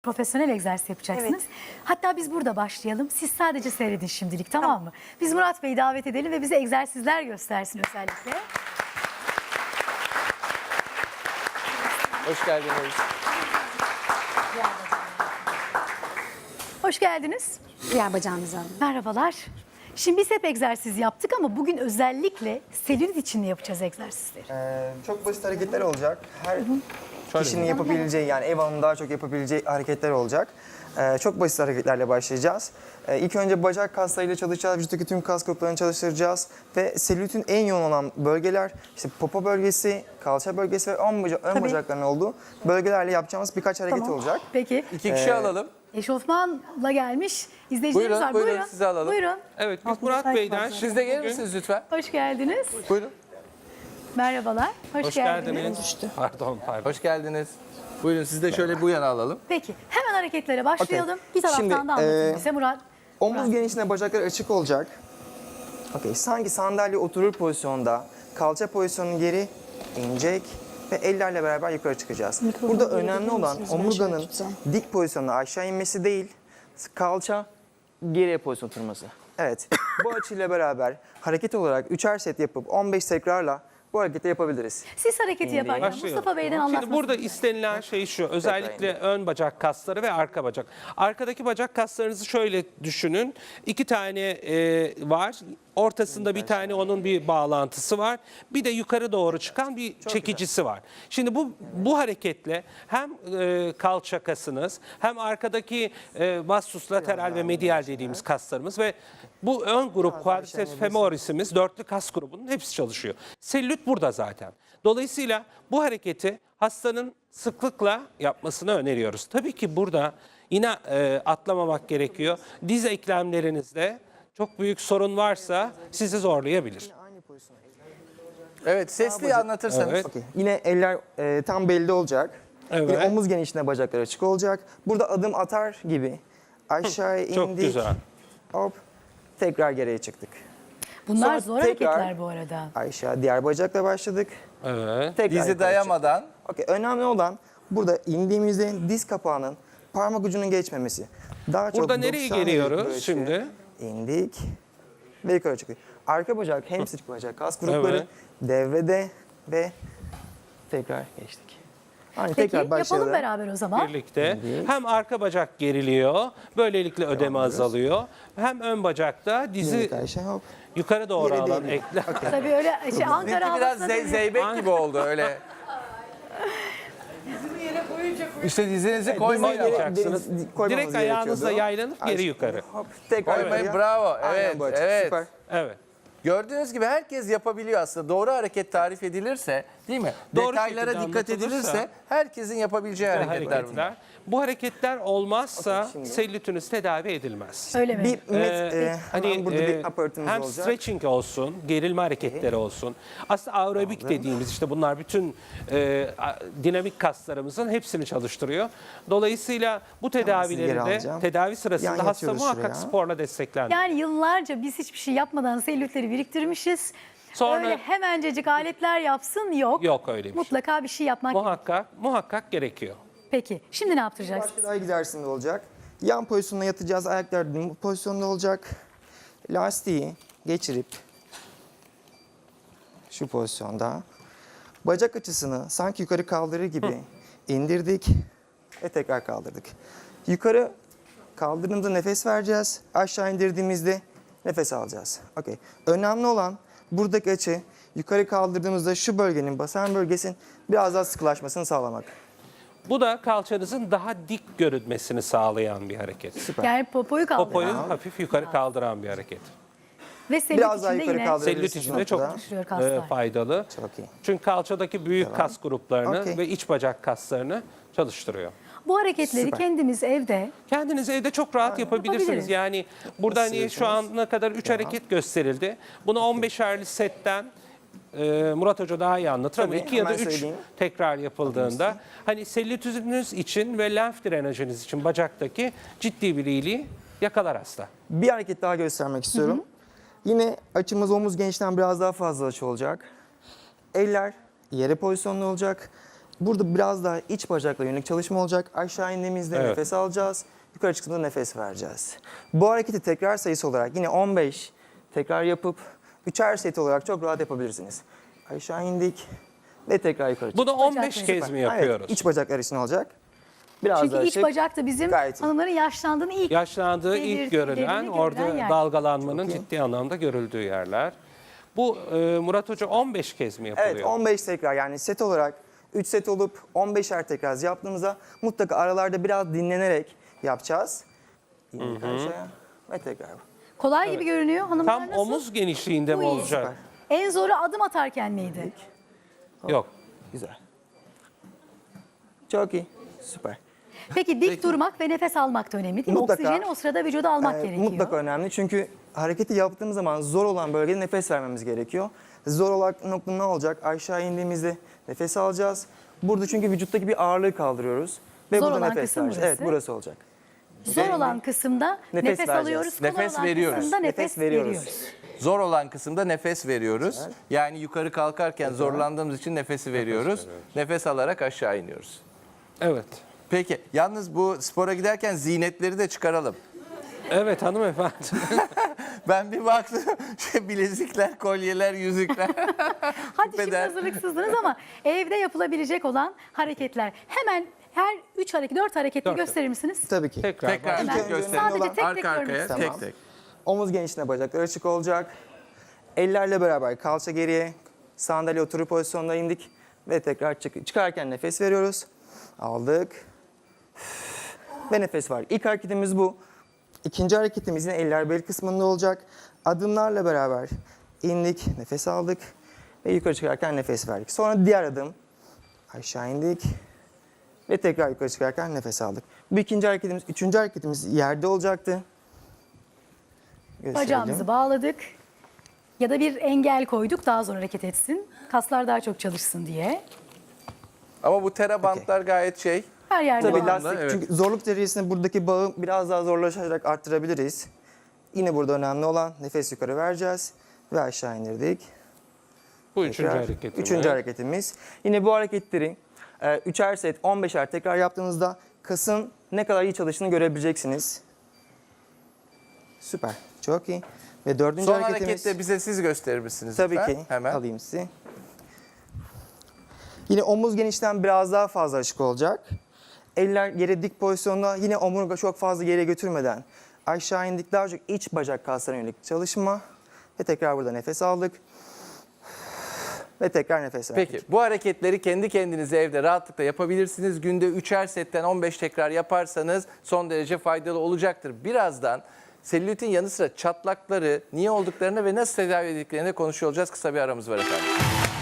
Profesyonel egzersiz yapacaksınız. Evet. Hatta biz burada başlayalım. Siz sadece seyredin şimdilik, tamam mı? Biz Murat Bey'i davet edelim ve bize egzersizler göstersin özellikle. Hoş geldiniz. Hoş geldiniz. Diğer bacağınızı alın. Merhabalar. Şimdi biz hep egzersiz yaptık ama bugün özellikle selülit için yapacağız egzersizleri. Çok basit hareketler olacak. Her kişinin yapabileceği, yani ev hanımının daha çok yapabileceği hareketler olacak. Çok basit hareketlerle başlayacağız. İlk önce bacak kaslarıyla çalışacağız. Vücuttaki tüm kas gruplarını çalıştıracağız. Ve selülitin en yoğun olan bölgeler işte popo bölgesi, kalça bölgesi ve ön bacakların olduğu bölgelerle yapacağımız birkaç hareket olacak. Peki. 2 kişi alalım. Eşofmanla gelmiş izleyicilerimiz var. Buyurun, sizi alalım. Buyurun. Evet, biz Murat Bey'den Siz de gelir misiniz lütfen? Hoş geldiniz. Buyurun. Merhabalar. hoş geldiniz. Pardon. Hoş geldiniz. Buyurun siz de şöyle bu yana alalım. Peki hemen hareketlere başlayalım. Bir taraftan Şimdi, da anlatın bize Murat. Omuz genişliğine bacaklar açık olacak. Sanki sandalye oturur pozisyonda. Kalça pozisyonunu geri inecek ve ellerle beraber yukarı çıkacağız. Burada önemli olan omurganın dik pozisyonda aşağı inmesi değil, kalça geriye pozisyon oturması. Evet, bu açıyla beraber hareket olarak 3'er set yapıp 15 tekrarla bu hareketi yapabiliriz. Siz hareketi yaparken Başlayalım. Mustafa Bey'den Şimdi anlatmasını. burada istenilen şey şu, özellikle ön bacak kasları ve arka bacak. Arkadaki bacak kaslarınızı şöyle düşünün. 2 tane var. Ortasında bir tane onun bir bağlantısı var. Bir de yukarı doğru çıkan bir çekicisi var. Şimdi bu hareketle hem kalça kasınız hem arkadaki vastus lateral ve medial dediğimiz kaslarımız ve bu ön grup quadriceps femorisimiz, dörtlü kas grubunun hepsi çalışıyor. Selülit burada zaten. Dolayısıyla bu hareketi hastanın sıklıkla yapmasını öneriyoruz. Tabii ki burada yine atlamamak gerekiyor. Diz eklemlerinizde çok büyük sorun varsa sizi zorlayabilir. Evet sesli anlatırsanız. Evet. Yine eller tam belli olacak. Evet. Yine omuz genişliğine bacaklar açık olacak. Burada adım atar gibi aşağıya indik. Çok güzel. Hop. Tekrar geriye çıktık. Bunlar Sonra zor tekrar hareketler bu arada. Aşağı diğer bacakla başladık. Evet. Tekrar Dizi yukarı dayamadan. çıktık. Önemli olan burada indiğimizde diz kapağının parmak ucunun geçmemesi. Daha çok Burada nereye 90 geliyoruz derece açı. şimdi? İndik ve yukarı çıktık. Arka bacak, hamstring bacak, kas grupları Evet. devrede ve tekrar geçtik. Hani Peki tekrar başlayalım. yapalım beraber o zaman. Birlikte hem arka bacak geriliyor, böylelikle ödeme azalıyor. Hem ön bacakta dizi İndik aşağı, hop. yukarı doğru Geri alan değil. eklem. Tabii öyle Ankara Bizimki biraz havasına dönüyor. zeybek gibi oldu öyle. İşte dizinizi koymayın ama. Koymayacaksınız. Koymamız Direkt ayağınızla gerekiyordu. yaylanıp geri yukarı. Hop, tekrar Koymayın, yukarıya. bravo. Aynen Evet, bu açı, evet. Süper. Evet. Gördüğünüz gibi herkes yapabiliyor aslında. Doğru hareket tarif edilirse, değil mi? Doğru Detaylara şekilde dikkat anlatılırsa- edilirse herkesin yapabileceği hareketler bunlar. Bu hareketler olmazsa selülitünüz tedavi edilmez. Öyle mi? Bir Hani burada bir aparatımız hem olacak. stretching olsun, gerilme hareketleri olsun. Aslında aerobik dediğimiz işte bunlar bütün dinamik kaslarımızın hepsini çalıştırıyor. Dolayısıyla bu tedavileri geri de alacağım. tedavi sırasında Yan hasta yatıyoruz muhakkak şuraya. sporla desteklenmeli. Yani yıllarca biz hiçbir şey yapmadan selülitleri biriktirmişiz. Sonra- Öyle hemencecik aletler yapsın yok. Yok öyle bir şey. Mutlaka bir şey yapmak. Muhakkak gerekiyor. Peki şimdi ne yaptıracaksınız? Başka daha egzersizinde olacak. Yan pozisyonda yatacağız. Ayaklar dik pozisyonda olacak. Lastiği geçirip şu pozisyonda bacak açısını sanki yukarı kaldırır gibi indirdik ve tekrar kaldırdık. Yukarı kaldırdığımızda nefes vereceğiz. Aşağı indirdiğimizde nefes alacağız. Okey. Önemli olan buradaki açı yukarı kaldırdığımızda şu bölgenin, basen bölgesinin biraz daha sıkılaşmasını sağlamak. Bu da kalçanızın daha dik görünmesini sağlayan bir hareket. Süper. Yani popoyu kaldır. Popoyu hafif yukarı kaldıran bir hareket. Ve selülit Biraz daha içinde yukarı yine kaldırabilirsiniz. Selülit için de çok Çalışıyor kaslar. faydalı. Çok iyi. Çünkü kalçadaki büyük kas gruplarını Okey. ve iç bacak kaslarını çalıştırıyor. bu hareketleri Süper. kendimiz evde Kendiniz evde çok rahat yapabilirsiniz. Yapabiliriz. Yani burada hani şu istiyorsanız. ana kadar 3 hareket gösterildi. Bunu 15'erli setten Murat Hoca daha iyi anlatır ama Tabii, 2 ya da hemen 3 söyleyeyim. tekrar yapıldığında hani selülitünüz için ve lenf drenajınız için bacaktaki ciddi bir iyiliği yakalar hasta. Bir hareket daha göstermek istiyorum. Yine açımız omuz genişten biraz daha fazla açı olacak. Eller yere pozisyonda olacak. Burada biraz daha iç bacakla yönelik çalışma olacak. Aşağı indiğimizde Evet. nefes alacağız. Yukarı çıktığımızda nefes vereceğiz. Bu hareketi tekrar sayısı olarak yine 15 tekrar yapıp 3'er set olarak çok rahat yapabilirsiniz. Aşağı indik ve tekrar yukarı çıktık. Bunu 15 Bacak kez mi Evet, yapıyoruz? iç bacaklar için olacak. Biraz Çünkü daha iç şık. bacak da bizim Gayet iyi. hanımların yaşlandığını ilk Yaşlandığı belirtilerini ilk görülen, orada yer. dalgalanmanın Çok iyi. ciddi anlamda görüldüğü yerler. Bu Murat Hoca 15 kez mi yapılıyor? Evet 15 tekrar yani set olarak 3 set olup 15'er tekrar yaptığımızda mutlaka aralarda biraz dinlenerek yapacağız. İndik aşağıya ve tekrar. Kolay gibi görünüyor. Hanımlar Tam nasıl? omuz genişliğinde mi Bu iyi. olacak? En zoru adım atarken miydi? Yok. Güzel. Çok iyi. Süper. Peki dik durmak ve nefes almak da önemli değil mi? Mutlaka. Oksijeni o sırada vücuda almak gerekiyor. Mutlaka önemli çünkü hareketi yaptığımız zaman zor olan bölgede nefes vermemiz gerekiyor. Zor olan nokta ne olacak? Aşağı indiğimizde nefes alacağız. Burada çünkü vücuttaki bir ağırlığı kaldırıyoruz. Ve Zor burada olan nefes kısım vereceğiz. Evet burası. burası olacak. Zor olan kısımda Nefes nefes vereceğiz. alıyoruz. Kolay Nefes olan veriyoruz. kısımda nefes, Nefes veriyoruz. veriyoruz. Zor olan kısımda nefes veriyoruz. Yani yukarı kalkarken zorlandığımız için nefesi veriyoruz. Nefes alarak aşağı iniyoruz. Evet. Peki yalnız bu spora giderken ziynetleri de çıkaralım. Evet hanımefendi. Ben bir baktım bilezikler, kolyeler, yüzükler. Hadi şimdi Küpeler. hazırlıksızdınız ama evde yapılabilecek olan hareketler. Hemen her 3 hareket, 4 hareketi Dört. gösterir misiniz? Tabii ki. Tekrar. Tekrar Hemen. önce gösterelim. Sadece tek tek Arka görmek arkaya istiyorum. tek tek. Omuz genişliğine bacaklar açık olacak. Ellerle beraber kalça geriye, sandalye oturup pozisyonuna indik ve tekrar çıkarken nefes veriyoruz. Aldık ve nefes var. İlk hareketimiz bu. İkinci hareketimiz yine eller bel kısmında olacak. Adımlarla beraber indik, nefes aldık ve yukarı çıkarken nefes verdik. Sonra diğer adım aşağı indik ve tekrar yukarı çıkarken nefes aldık. Bu ikinci hareketimiz, üçüncü hareketimiz yerde olacaktı. Gösterelim. Bacağımızı bağladık. Ya da bir engel koyduk daha zor hareket etsin. Kaslar daha çok çalışsın diye. Ama bu tera bantlar gayet şey. Her yerde Tabii var. anda, lastik evet. çünkü zorluk derecesinde buradaki bağı biraz daha zorlaşarak arttırabiliriz. Yine burada önemli olan nefes yukarı vereceğiz ve aşağı indirdik. Bu üçüncü Tekrar. hareketimiz. Üçüncü hareketimiz. Yine bu hareketleri 3'er set 15'er tekrar yaptığınızda kasın ne kadar iyi çalıştığını görebileceksiniz. Süper. Çok iyi. Ve dördüncü Son hareketimiz. harekette bize siz gösterir misiniz Tabii lütfen? ki. Hemen. Alayım sizi. Yine omuz genişten biraz daha fazla açık olacak. Eller yere dik pozisyonda yine omurga çok fazla yere götürmeden aşağı indik. Daha çok iç bacak kaslarına yönelik çalışma. Ve tekrar burada nefes aldık. Ve tekrar nefes verdik. Peki bu hareketleri kendi kendinize evde rahatlıkla yapabilirsiniz. Günde 3'er setten 15 tekrar yaparsanız son derece faydalı olacaktır. Birazdan selülitin yanı sıra çatlakları niye olduklarını ve nasıl tedavi edildiklerini konuşuyor olacağız. Kısa bir aramız var efendim.